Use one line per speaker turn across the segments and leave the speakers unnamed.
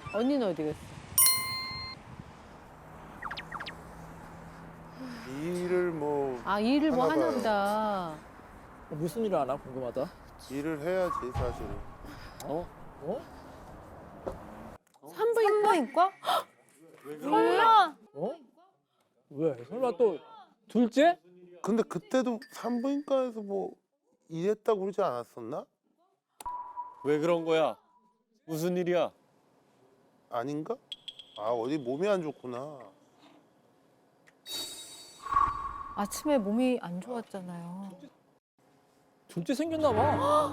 언니는 어디 갔어?
일을 뭐
아, 일을 뭐
하나
하나
봐요.
보다.
무슨 일을 하나 궁금하다.
일을 해야지 사실은.
어? 어?
산부인과?
설마
어? 왜? 설마 또 둘째?
근데 그때도 산부인과에서 뭐 일했다고 그러지 않았었나?
왜 그런 거야? 무슨 일이야?
아닌가? 아 어디 몸이 안 좋구나.
아침에 몸이 안 좋았잖아요.
둘째 생겼나 봐.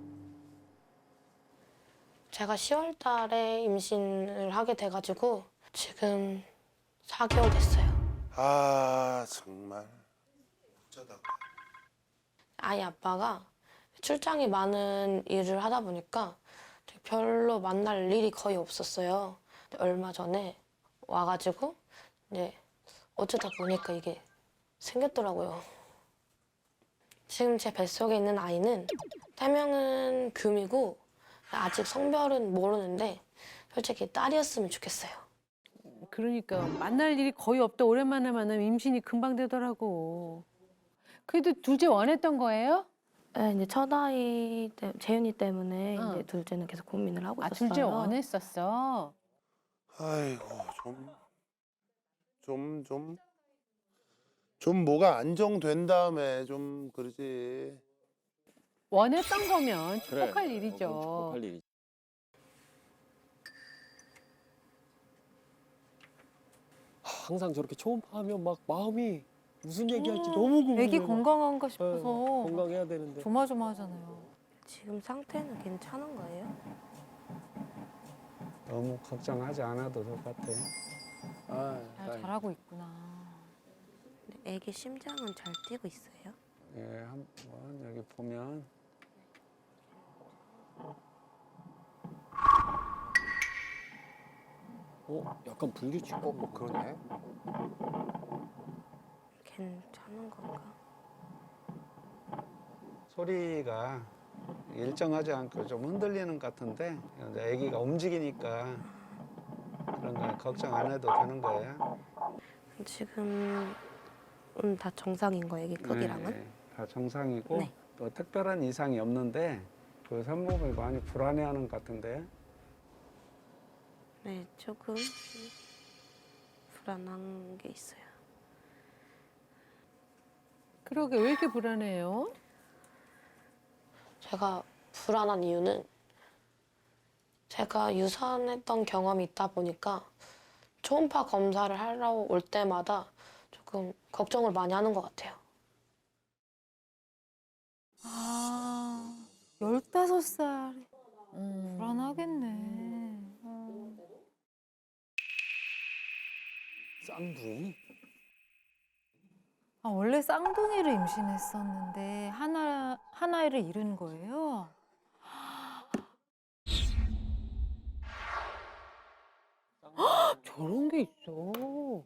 제가 10월 달에 임신을 하게 돼가지고 지금 4개월 됐어요.
아 정말. 어쩌다가.
아이 아빠가 출장이 많은 일을 하다 보니까 별로 만날 일이 거의 없었어요. 근데 얼마 전에 와가지고 이제 어쩌다 보니까 이게 생겼더라고요. 지금 제 뱃속에 있는 아이는 태명은 금이고 아직 성별은 모르는데 솔직히 딸이었으면 좋겠어요.
그러니까 만날 일이 거의 없다. 오랜만에 만나면 임신이 금방 되더라고. 그래도 둘째 원했던 거예요?
네, 이제 첫 아이 재윤이 때문에
어.
이제 둘째는 계속 고민을 하고
아,
있었어요.
둘째 원했었어.
아이고 좀 뭐가 안정된 다음에 좀 그러지.
원했던 거면
그래.
축복할 일이죠.
그건 축복할 일이지. 항상 저렇게 초음파하면 막 마음이 무슨 얘기할지 너무 궁금해.
애기 건강한가
예,
싶어서
건강해야 되는데.
조마조마하잖아요.
지금 상태는 괜찮은 거예요?
너무 걱정하지 않아도 될 것 같아요.
아,
잘 자라고 있구나.
근데 애기 심장은 잘 뛰고 있어요?
예, 한번 여기 보면
약간 불규칙. 그러네.
괜찮은 건가?
소리가 일정하지 않고 좀 흔들리는 것 같은데 이제 아기가 움직이니까 그런 거 걱정 안 해도 되는 거예요.
지금은 다 정상인 거예요, 애기 크기랑은?
네, 다 정상이고
네.
또 특별한 이상이 없는데 그 산모분이 많이 불안해하는 것 같은데
네, 조금 불안한 게 있어요.
그러게 왜 이렇게 불안해요?
제가 불안한 이유는 제가 유산했던 경험이 있다 보니까 초음파 검사를 하러 올 때마다 조금 걱정을 많이 하는 것 같아요.
아, 15살.
음.
불안하겠네.
쌍둥이?
아, 원래 쌍둥이를 임신했었는데 하나를 잃은 거예요?
저런 게 있어.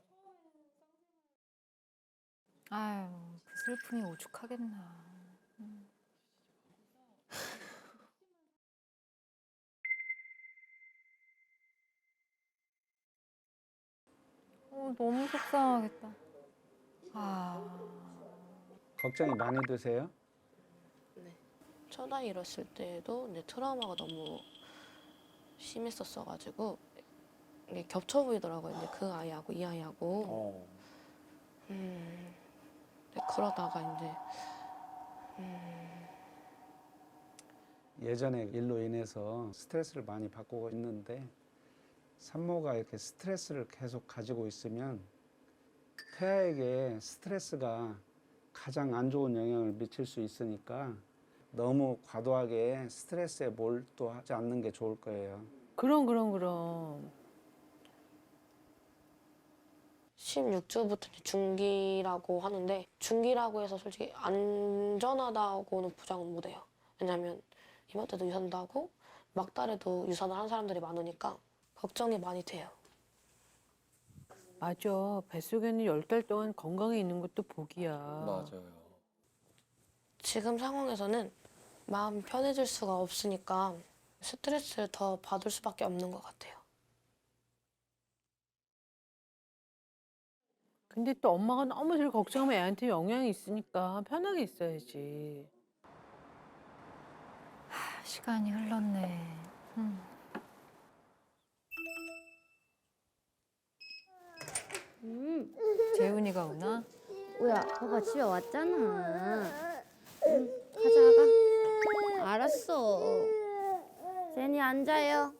아유, 그 슬픔이 오죽하겠나. 너무 속상하겠다. 아,
걱정이 많이 되세요?
첫 아이 잃었을 때도 이제 트라우마가 너무 심했었어가지고 이게 겹쳐 보이더라고요. 이제 그 아이하고 이 아이하고.
어.
근데 그러다가 이제
예전에 일로 인해서 스트레스를 많이 받고 있는데 산모가 이렇게 스트레스를 계속 가지고 있으면 태아에게 스트레스가 가장 안 좋은 영향을 미칠 수 있으니까 너무 과도하게 스트레스에 몰두하지 않는 게 좋을 거예요.
그럼.
16주부터 중기라고 하는데 중기라고 해서 솔직히 안전하다고는 보장은 못해요. 왜냐면 이맘 때도 유산도 하고 막달에도 유산을 한 사람들이 많으니까 걱정이 많이 돼요.
맞아. 뱃속에는 10달 동안 건강해 있는 것도 복이야.
맞아요.
지금 상황에서는 마음이 편해질 수가 없으니까 스트레스를 더 받을 수밖에 없는 것 같아요.
근데 또 엄마가 너무 저를 걱정하면 애한테 영향이 있으니까 편하게 있어야지.
시간이 흘렀네. 재훈이가 오나?
뭐야, 봐봐, 집에 왔잖아. 응, 가자, 가. 알았어. 제니 앉아요.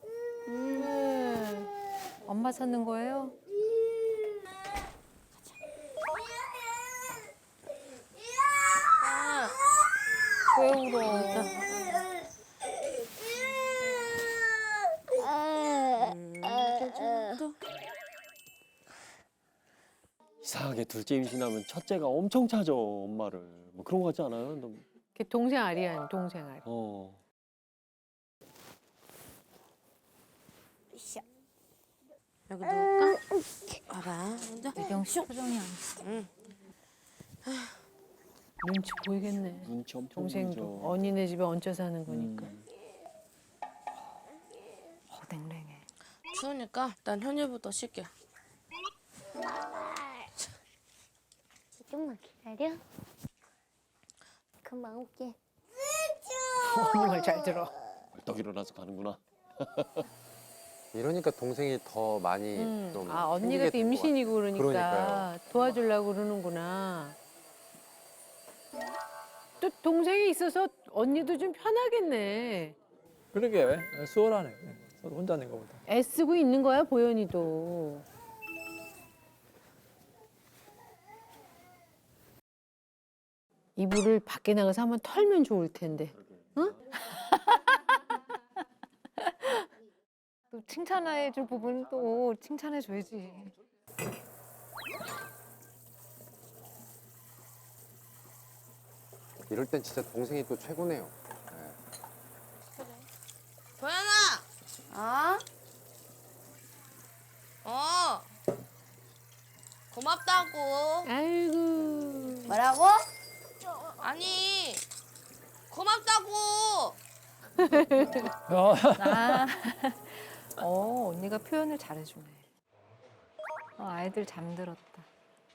엄마 찾는 거예요? 왜 울어?
이상하게 둘째 임신하면 첫째가 엄청 찾아 엄마를. 뭐 그런 거 같지 않아요?
걔 동생 아리안, 동생 아리.
여기 누울까? 봐봐.
미경 씨 표정이 안
눈치 보이겠네.
눈치 엄청
동생도
보이죠.
언니네 집에 얹혀 사는 거니까.
냉랭해.
추우니까 일단 현일부터 쉴게.
조금만 기다려. 금방 올게.
언니 말 잘 들어.
벌떡 일어나서 가는구나.
이러니까 동생이 더 많이 좀
아 언니가 또
생기게 된 것
임신이고 그러니까
그러니까요.
도와주려고 그러는구나. 또 동생이 있어서 언니도 좀 편하겠네.
그러게 수월하네. 서로 혼자 낸 거보다.
애쓰고 있는 거야 보현이도. 이불을 밖에 나가서 한번 털면 좋을 텐데.
또 칭찬해줄 부분 또 칭찬해줘야지.
이럴 땐 진짜 동생이 또 최고네요.
도연아!
어?
고맙다고.
아이고.
뭐라고?
아니, 고맙다고.
아, 언니가 표현을 잘해주네. 아이들 잠들었다.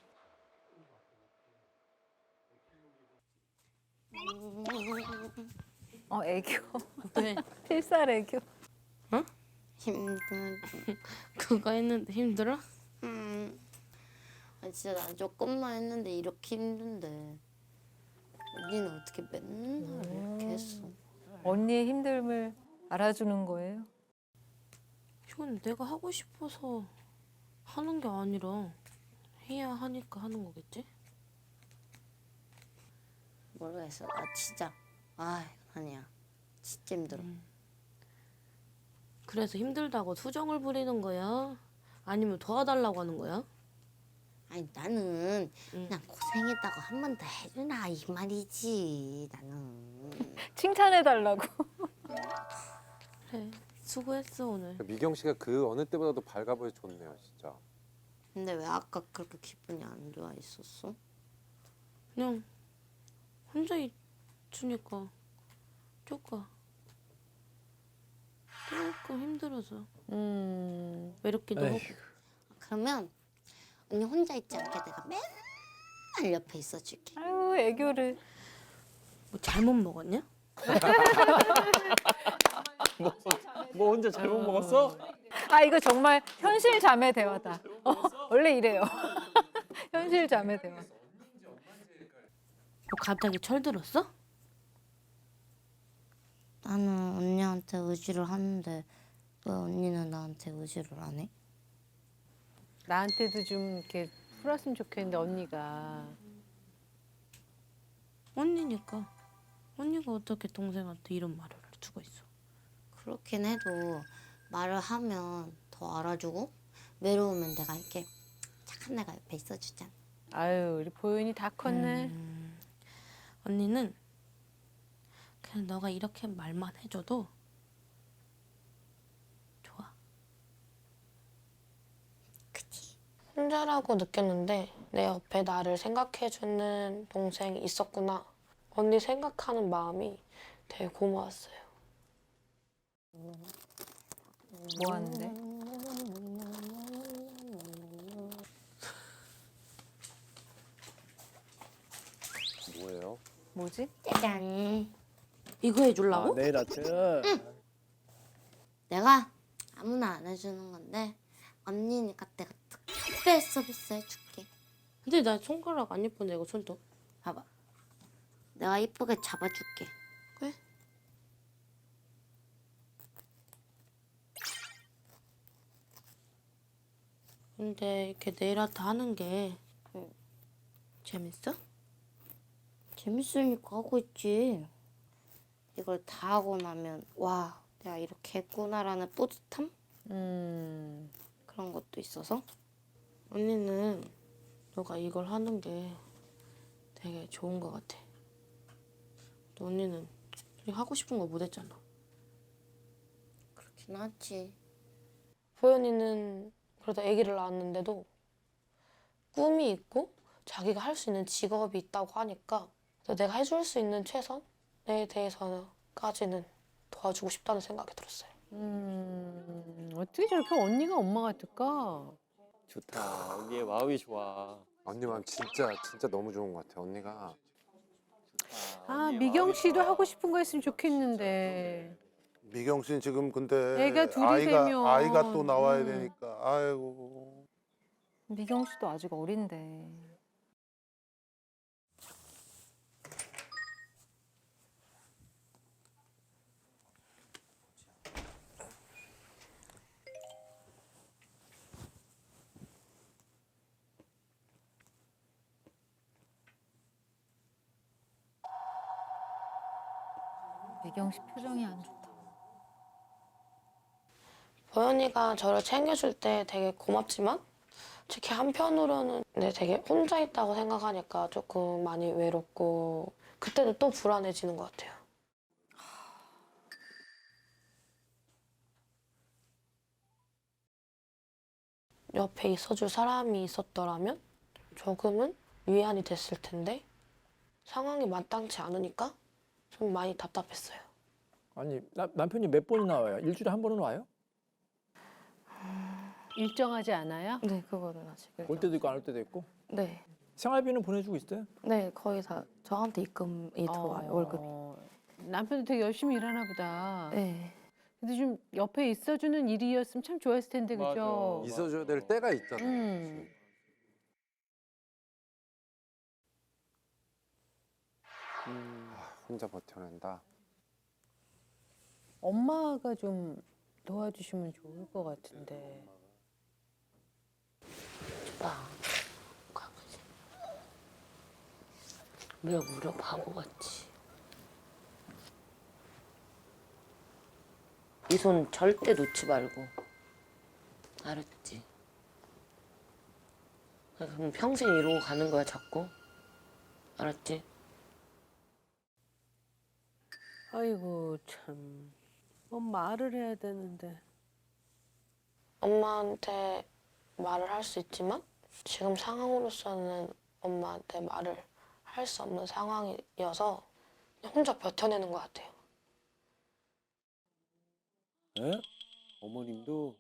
애교.
왜?
필살 애교.
힘들어.
그거 했는데 힘들어?
아, 진짜 난 조금만 했는데 이렇게 힘든데. 언니는 어떻게 맨날 이렇게 했어?
언니의 힘듦을 알아주는 거예요.
이건 내가 하고 싶어서 하는 게 아니라 해야 하니까 하는 거겠지?
모르겠어. 나 진짜. 아, 아니야. 진짜 힘들어.
그래서 힘들다고 투정을 부리는 거야? 아니면 도와달라고 하는 거야?
아니 나는 그냥 고생했다고 한 번 더 해주나 이 말이지. 나는.
칭찬해달라고.
그래, 수고했어 오늘.
미경 씨가 그 어느 때보다도 밝아 보여 좋네요, 진짜.
근데 왜 아까 그렇게 기분이 안 좋아 있었어?
그냥 혼자 있으니까 조금 힘들어서 외롭기도 하고.
에휴.
그러면 언니 혼자 있지 않게 내가 맨날 옆에 있어줄게.
아유 애교를.
뭐 잘못 먹었냐?
뭐 혼자 잘못 먹었어?
아 이거 정말 현실 자매 대화다. 원래 이래요. 현실 자매 대화.
뭐 갑자기 철들었어?
나는 언니한테 의지를 하는데 왜 언니는 나한테 의지를 안 해?
나한테도 좀 이렇게 풀었으면 좋겠는데 언니가.
언니니까. 언니가 어떻게 동생한테 이런 말을 할 수가 있어?
그렇긴 해도 말을 하면 더 알아주고 외로우면 내가 이렇게 착한 내가 옆에 있어주잖아.
아유 우리 보현이 다 컸네.
언니는 그냥 너가 이렇게 말만 해줘도 좋아.
그치?
혼자라고 느꼈는데 내 옆에 나를 생각해주는 동생이 있었구나. 언니 생각하는 마음이 되게 고마웠어요.
뭐 하는데? 뭐지?
짜잔.
이거 해주려고?
네일 아트.
내가 아무나 안 해주는 건데 언니니까 내가 특별 서비스 해줄게.
근데 나 손가락 안 예쁜데 이거 손톱.
봐봐. 내가 이쁘게 잡아줄게.
그래? 근데 이렇게 네일 아트 하는 게 재밌어?
재밌으니까 하고 있지. 이걸 다 하고 나면 와, 내가 이렇게 했구나라는 뿌듯함? 그런 것도 있어서.
언니는 너가 이걸 하는 게 되게 좋은 것 같아. 또 언니는 솔직히 하고 싶은 거 못 했잖아.
그렇긴 하지.
보현이는 그래도 아기를 낳았는데도 꿈이 있고 자기가 할 수 있는 직업이 있다고 하니까 내가 해줄 수 있는 최선에 대해서까지는 도와주고 싶다는 생각이 들었어요.
어떻게 저렇게 언니가 엄마 같을까?
좋다. 언니의 마음이 좋아.
언니 마음 진짜 너무 좋은 것 같아. 언니가
아, 미경 씨도 하고 싶은 거 했으면 좋겠는데.
미경 씨는 지금 근데
애가 둘이 되면.
아이가 또 나와야 되니까 아이고.
미경 씨도 아직 어린데. 미경 씨 표정이 안 좋다.
보현이가 저를 챙겨줄 때 되게 고맙지만 특히 한편으로는 되게 혼자 있다고 생각하니까 조금 많이 외롭고 그때는 또 불안해지는 것 같아요. 옆에 있어줄 사람이 있었더라면 조금은 위안이 됐을 텐데 상황이 마땅치 않으니까 좀 많이 답답했어요.
아니 남편이 몇 번이나 와요? 일주일에 한 번은 와요?
일정하지 않아요?
네, 그거는 아직.
올 때도 있고 안 올 때도 있고.
네.
생활비는 보내주고 있어요?
네, 거의 다 저한테 입금이 들어와요, 월급이.
남편도 되게 열심히 일하나 보다.
네.
근데 좀 옆에 있어주는 일이었으면 참 좋았을 텐데, 그죠?
있어줘야 될 때가 있잖아. 혼자 버텨낸다.
엄마가 좀 도와주시면 좋을 것 같은데.
강아지. 무려 바보같이.
이 손 절대 놓지 말고. 알았지? 그럼 평생 이러고 가는 거야, 자꾸. 알았지?
아이고, 참. 말을 해야 되는데.
엄마한테 말을 할 수 있지만 지금 상황으로서는 엄마한테 말을 할 수 없는 상황이어서 그냥 혼자 버텨내는 것 같아요.
네? 어머님도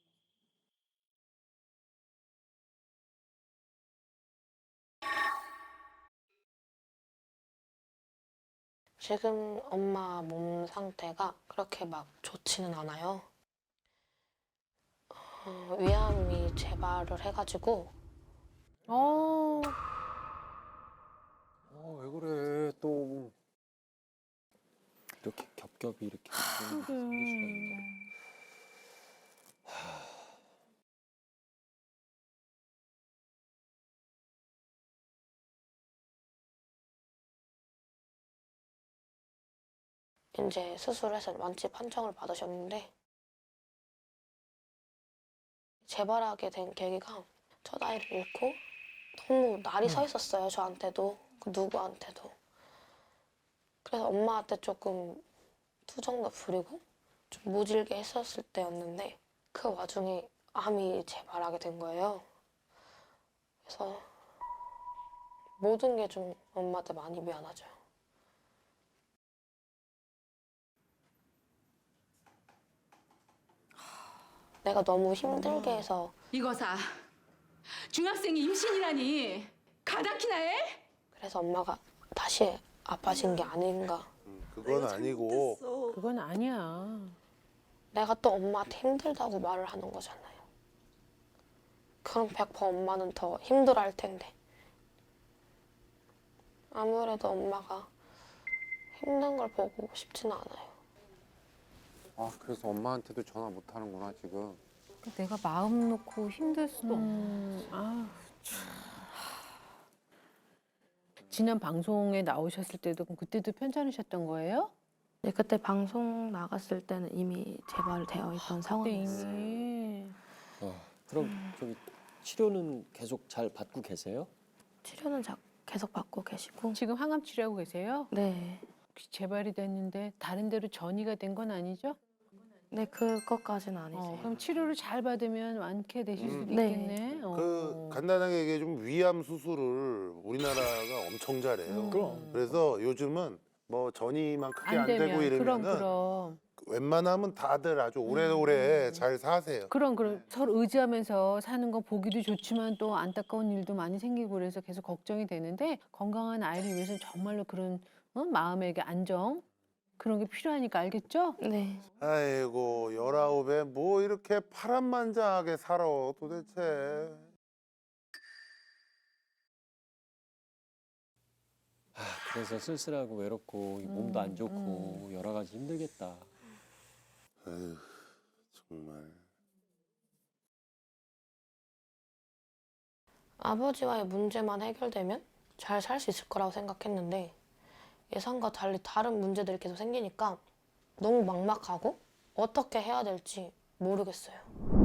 지금 엄마 몸 상태가 그렇게 막 좋지는 않아요. 위암이 재발을 해가지고
왜 그래 또.
이렇게 겹겹이 이렇게 생길 수가 있나.
이제 수술해서 완치 판정을 받으셨는데 재발하게 된 계기가 첫 아이를 잃고 너무 날이 서 있었어요. 저한테도 그 누구한테도. 그래서 엄마한테 조금 투정도 부리고 좀 모질게 했었을 때였는데 그 와중에 암이 재발하게 된 거예요. 그래서 모든 게 좀 엄마한테 많이 미안하죠. 내가 너무 힘들게 해서
이거사 중학생이 임신이라니 가다키나 해?
그래서 엄마가 다시 아파진 게 아닌가.
그건 아니고
그건 아니야.
내가 또 엄마한테 힘들다고 말을 하는 거잖아요. 그럼 100% 엄마는 더 힘들어할 텐데. 아무래도 엄마가 힘든 걸 보고 싶지는 않아요.
아 그래서 엄마한테도 전화 못 하는구나 지금.
내가 마음 놓고 힘들 수도
아, 참. 지난 방송에 나오셨을 때도 그럼 그때도 편찮으셨던 거예요?
네, 그때 방송 나갔을 때는 이미 재발되어 있던
그때
상황이었어요.
이미.
그럼 저기 치료는 계속 잘 받고 계세요?
치료는 계속 받고 계시고.
지금 항암 치료하고 계세요?
네.
혹시 재발이 됐는데 다른 데로 전이가 된 건 아니죠?
네, 그것까지는 아니세요.
그럼 치료를 잘 받으면 완쾌되실 수도
네.
있겠네.
그 간단하게 얘기해 좀 위암 수술을 우리나라가 엄청 잘해요.
그럼.
그래서 요즘은 뭐 전이만 크게 안,
되면
되고 이러면은
그럼
웬만하면 다들 아주 오래오래 잘 사세요.
그럼 서로 의지하면서 사는 거 보기도 좋지만 또 안타까운 일도 많이 생기고 그래서 계속 걱정이 되는데 건강한 아이를 위해서는 정말로 그런 마음의 안정 그런 게 필요하니까 알겠죠?
네.
아이고 19에 뭐 이렇게 파란만장하게 살아 도대체.
그래서 쓸쓸하고 외롭고 몸도 안 좋고 여러 가지 힘들겠다.
아휴 정말.
아버지와의 문제만 해결되면 잘 살 수 있을 거라고 생각했는데 예상과 달리 다른 문제들이 계속 생기니까 너무 막막하고 어떻게 해야 될지 모르겠어요.